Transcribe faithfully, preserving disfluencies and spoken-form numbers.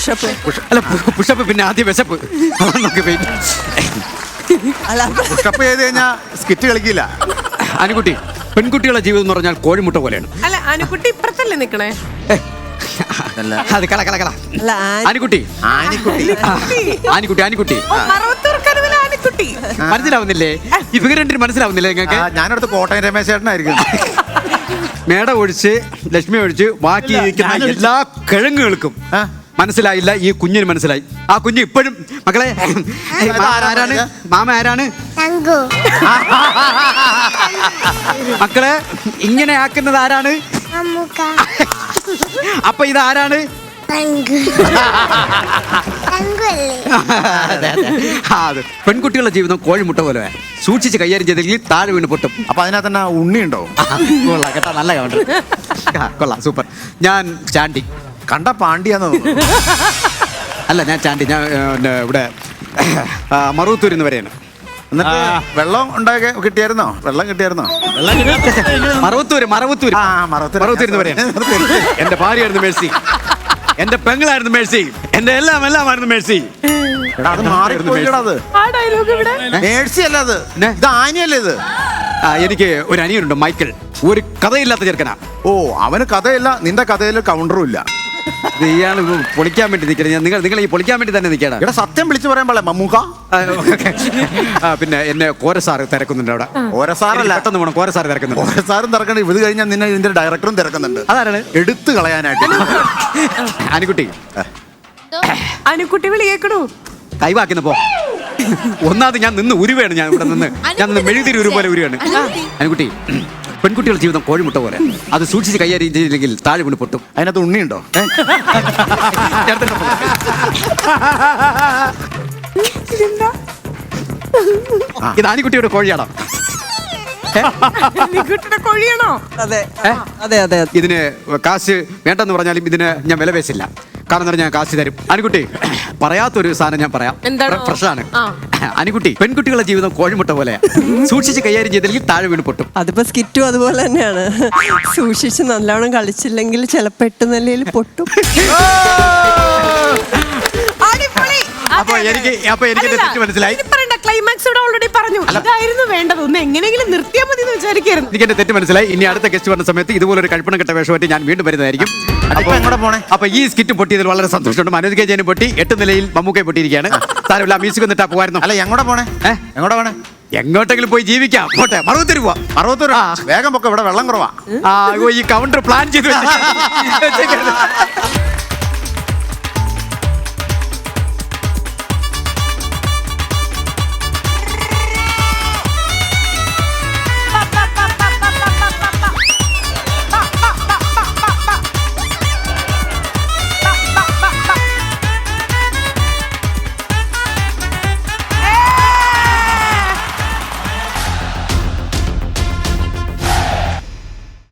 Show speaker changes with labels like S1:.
S1: Pushup.
S2: അല്ല pushup പിന്നെ ആദ്യം വിശപ്പ്.
S3: പുഷപ്പ് ചെയ്ത് കഴിഞ്ഞാൽ സ്കിറ്റ് കളിക്കില്ല.
S2: അനുകുട്ടി, പെൺകുട്ടികളുടെ ജീവിതം എന്ന് പറഞ്ഞാൽ കോഴിമുട്ട പോലെയാണ്.
S1: അല്ല അനുകുട്ടി ഇപ്പുറത്തല്ലേ നിക്കണേ?
S2: അത് കള കള കള. അനുകുട്ടി
S3: ആനിക്കുട്ടി
S2: ആനിക്കുട്ടി ആനിക്കുട്ടി
S1: അനുകുട്ടി
S2: മനസ്സിലാവുന്നില്ലേ? ഈ ഫിഗർ രണ്ടിന് മനസ്സിലാവുന്നില്ലേ നിങ്ങൾക്ക്?
S3: ഞാനടുത്ത് കോട്ടയം രമേശ് ചേട്ടനായിരിക്കും.
S2: മേട ഒഴിച്ച് ലക്ഷ്മി ഒഴിച്ച് ബാക്കി ഇരിക്കുന്ന എല്ലാ കിഴങ്ങുകൾക്കും മനസ്സിലായില്ല, ഈ കുഞ്ഞിന് മനസ്സിലായി. ആ കുഞ്ഞ് ഇപ്പോഴും മക്കളെ ആരാണ് മാമ ആരാണ് മക്കളെ ഇങ്ങനെ ആക്കുന്നത് ആരാണ്? അപ്പൊ ഇതാരാണ്? പെൺകുട്ടികളുടെ ജീവിതം കോഴിമുട്ട പോലെ സൂക്ഷിച്ച് കൈകാര്യം ചെയ്തെങ്കിൽ താഴെ വീണ് പൊട്ടും.
S3: അപ്പൊ അതിനകത്ത് തന്നെ ഉണ്ണി ഉണ്ടോ?
S2: കൊള്ളാം കേട്ടോ, നല്ല കൗണ്ടർ. കൊള്ളാം, സൂപ്പർ. ഞാൻ ചാണ്ടി.
S3: കണ്ട പാണ്ടിയാന്ന് തോന്നുന്നു.
S2: അല്ല ഞാൻ ചാണ്ടി, ഞാൻ ഇവിടെ മറുവത്തൂരിൽ നിന്ന് വരെയാണ്.
S3: എന്നിട്ട് വെള്ളം ഉണ്ടാക്കി കിട്ടിയായിരുന്നോ? വെള്ളം കിട്ടിയായിരുന്നോ?
S2: മറവത്തൂര് മറവത്തൂര് മറവത്തൂരിൽ നിന്ന് വരെയാണ്. എന്റെ ഭാര്യയായിരുന്നു മേഴ്സി, എന്റെ പെങ്ങളായിരുന്നു മേഴ്സി, എന്റെ എല്ലാം എല്ലാമായിരുന്നു മേഴ്സി.
S3: മേഴ്സി അല്ല അത്, ഇത് ആനിയല്ലേ ഇത്?
S2: എനിക്ക് ഒരു അനിയനുണ്ട് മൈക്കിൾ, ഒരു കഥയില്ലാത്ത ചെറുക്കനാ.
S3: ഓ, അവന് കഥയില്ല, നിന്റെ കഥയിൽ കൗണ്ടറും ഇല്ല.
S2: ഇയാൾ പൊളിക്കാൻ വേണ്ടി നിൽക്കണം. നിങ്ങൾ നിങ്ങൾ ഈ പൊളിക്കാൻ വേണ്ടി തന്നെ നിൽക്കണം.
S3: ഇവിടെ സത്യം വിളിച്ചു പറയാൻ പാടില്ല മമ്മൂക്ക.
S2: പിന്നെ എന്നെ കോരസാറ് തിരക്കുന്നുണ്ട് അവിടെ.
S3: കോരസാറല്ല,
S2: പെട്ടെന്ന് പോകണം. കോരസാറ് തിരക്കുന്നുണ്ട്.
S3: കോരസാറും തിരക്കണ്ട, ഇത് കഴിഞ്ഞാൽ നിന്നെ ഇതിന്റെ ഡയറക്ടറും തിരക്കുന്നുണ്ട്.
S2: അതാണ്
S3: എടുത്തു കളയാനായിട്ട്.
S2: അനുകുട്ടി
S1: അനുകുട്ടി വിളി കേക്കണു.
S2: കൈവാക്കുന്ന പോ. ഒന്നാമത് ഞാൻ നിന്ന് ഉരുവാണ്, ഞാൻ ഇവിടെ നിന്ന് ഞാൻ നിന്ന് മെഴുതിരി ഉരു പോലെ ഉരുവാണ്. അനുകുട്ടി, പെൺകുട്ടികളുടെ ജീവിതം കോഴിമുട്ട പോലെ അത് സൂക്ഷിച്ച് കൈകാര്യം ചെയ്തില്ലെങ്കിൽ താഴെ വീണ് പൊട്ടും.
S3: അതിനകത്ത് ഉണ്ണിയുണ്ടോ?
S2: ഇത് ആനിക്കുട്ടിയുടെ കോഴിയാണോ?
S1: കോഴിയാണോ?
S4: അതെ അതെ അതെ.
S2: ഇതിന് കാശ് വേണ്ടെന്ന് പറഞ്ഞാലും ഇതിന് ഞാൻ വില പേശില്ല. കാരണം എന്താ, ഞാൻ കാശ് തരും. അനുകുട്ടി, പറയാത്തൊരു സാധനം ഞാൻ പറയാം, ഫ്രഷാണ്. അനുകുട്ടി, പെൺകുട്ടികളുടെ ജീവിതം കോഴിമുട്ട പോലെ സൂക്ഷിച്ച് കൈകാര്യം ചെയ്തില്ലെങ്കിൽ താഴെ വീണ് പൊട്ടും.
S4: അതിപ്പോ സ്കിറ്റും അതുപോലെ തന്നെയാണ്. സൂക്ഷിച്ച് നല്ലോണം കളിച്ചില്ലെങ്കിൽ ചിലപ്പോ എട്ട് നിലയിൽ പൊട്ടും.
S2: അപ്പൊ എനിക്ക് അപ്പൊ എനിക്ക് തെറ്റ് മനസ്സിലായി.
S1: ക്ലൈമാക്സ് ഇവിടെ ഓൾറെഡി പറഞ്ഞു. അതായിരുന്നു വേണ്ടത്. ഒന്ന് എങ്ങനെയെങ്കിലും നിർത്തിയാൽ മതി എന്ന് വിചാരിക്കായിരുന്നു.
S2: എനിക്ക് എന്റെ തെറ്റ് മനസ്സിലായി. ഇനി അടുത്ത ഗസ്റ്റ് വരുന്ന സമയത്ത് ഇതുപോലൊരു കഴിപ്പണം കെട്ട വേഷമായിട്ട് ഞാൻ വീണ്ടും വരുന്നതായിരിക്കും. അപ്പൊ ഈ സ്കിറ്റ് പൊട്ടിയതിൽ വളരെ സന്തോഷമുണ്ട്. മനോജ് കെ ജയനും പൊട്ടി, എട്ട് നിലയിൽ മമ്മൂക്കയെ പൊട്ടിയിരിക്കുകയാണ്. സാരമില്ല, മ്യൂസിക് ഒന്നിട്ടാ പോകായിരുന്നു.
S3: അല്ല, എങ്ങോട്ടാ പോണേ? എങ്ങോട്ടാ പോണേ?
S2: എങ്ങോട്ടെങ്കിലും പോയി ജീവിക്കാം. പോട്ടെ, മറുപത്തി പോവാ.
S3: മറുപത്തി വേഗം പൊക്കെ, ഇവിടെ വെള്ളം കുറവാ.
S2: ഈ കൗണ്ടർ പ്ലാൻ ചെയ്ത്